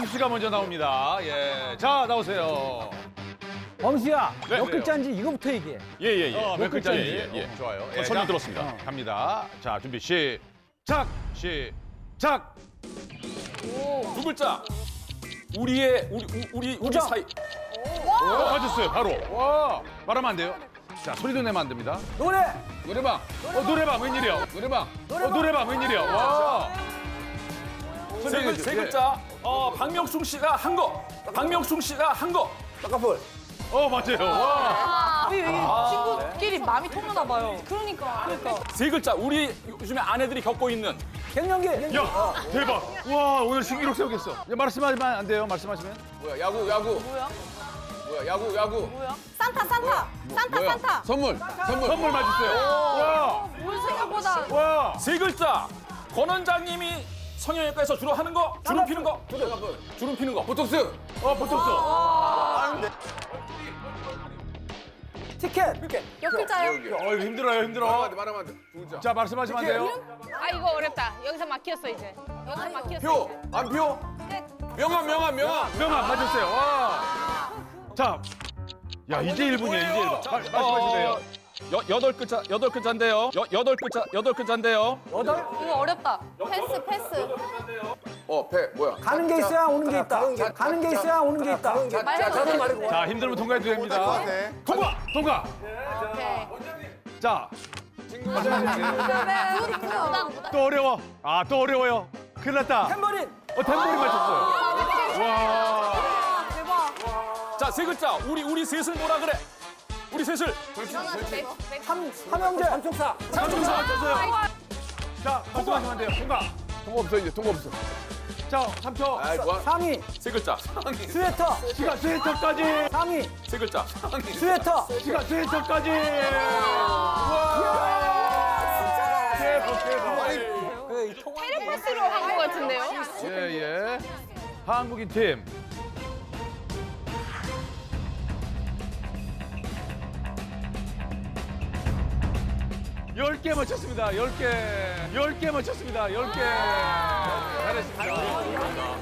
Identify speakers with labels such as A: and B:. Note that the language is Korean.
A: 범수 씨가 먼저 나옵니다. 예. 자, 나오세요.
B: 범수야,
A: 네,
B: 몇
A: 그래요.
B: 글자인지 이거부터 얘기해.
A: 몇
B: 몇
A: 글자인지.
B: 글자인지.
A: 좋아요.
C: 설명
A: 자,
C: 들었습니다.
A: 갑니다. 자, 준비 시작. 시작.
C: 두 글자. 우리
B: 우정.
C: 사이.
A: 맞았어요. 바로. 와. 말하면 안 돼요. 자, 소리도 내면 안 됩니다.
B: 노래!
A: 노래방. 노래방 웬일이야? 노래방. 노래방 웬일이야? 와.
C: 세 글자. 박명숙 씨가 한 거. 박명숙 씨가 한 거.
B: 떡가풀.
A: 맞아요. 와.
D: 우리 친구끼리 마음이 통하나 봐요. 그러니까.
C: 세 글자. 우리 요즘에 아내들이 겪고 있는
B: 갱년기.
A: 야, 대박. 와, 오늘 신기록 세우겠어. 야, 말씀하시면 안 돼요. 말씀하시면.
E: 뭐야 야구
D: 뭐야?
E: 뭐야 야구
D: 뭐야? 산타. 산타.
E: 선물
A: 선물 맞으세요. 와.
D: 뭘 생각보다.
A: 와.
C: 세 글자. 권 원장님이 성형외과에서 주로 하는 거. 주름 피는 거. 주름 피는 거.
E: 보톡스
A: 보톡스.
B: 티켓.
D: 몇 글자요?
A: 이거 힘들어요.
E: 말하면 안돼 두 글자
A: 자, 말씀하시면 안 돼요.
F: 아 이거 어렵다. 여기서 막혔어 이제. 여기서 막혔어.
E: 표안표 명함
A: 명함 맞았어요. 와. 자. 야, 이제 1분이에요. 이제 1분. 말씀하시면 돼요.
C: 여덟 글자인데요. 여덟 글자인데요.
B: 여덟.
D: 이거 어렵다. 패스.
E: 어패 뭐야
B: 가는 게 있어야 오는 게 있다. 가는 게 있어야 오는 게 있다.
D: 말해도 돼.
A: 자, 힘들면 통과해도 됩니다. 통과.
D: 오케이.
A: 자,
D: 부담.
A: 또 어려워. 또 어려워요. 큰일 났다.
B: 탬버린.
A: 탬버린 맞췄어요. 와.
D: 대박.
C: 자, 세 글자. 우리 셋을 뭐라 그래? 우리 셋을.
B: 삼형제. 삼총사.
A: 삼총사 맞췄어요. 자, 말씀하시면 안 돼요. 통과.
E: 통과 없어 이제 통과 없어
A: 자, 3초.
E: 아이 좋아
B: 상의.
C: 세 글자.
B: 스웨터.
A: 시간 스웨터까지.
B: 상의.
C: 세 글자.
B: 스웨터.
A: 시간 스웨터까지. 대박.
F: 테레파스로 한 것 같은데요?
A: 예. 한국인 팀. 열 개 맞췄습니다. 10개. 10개 맞췄습니다. 10개. 잘했습니다.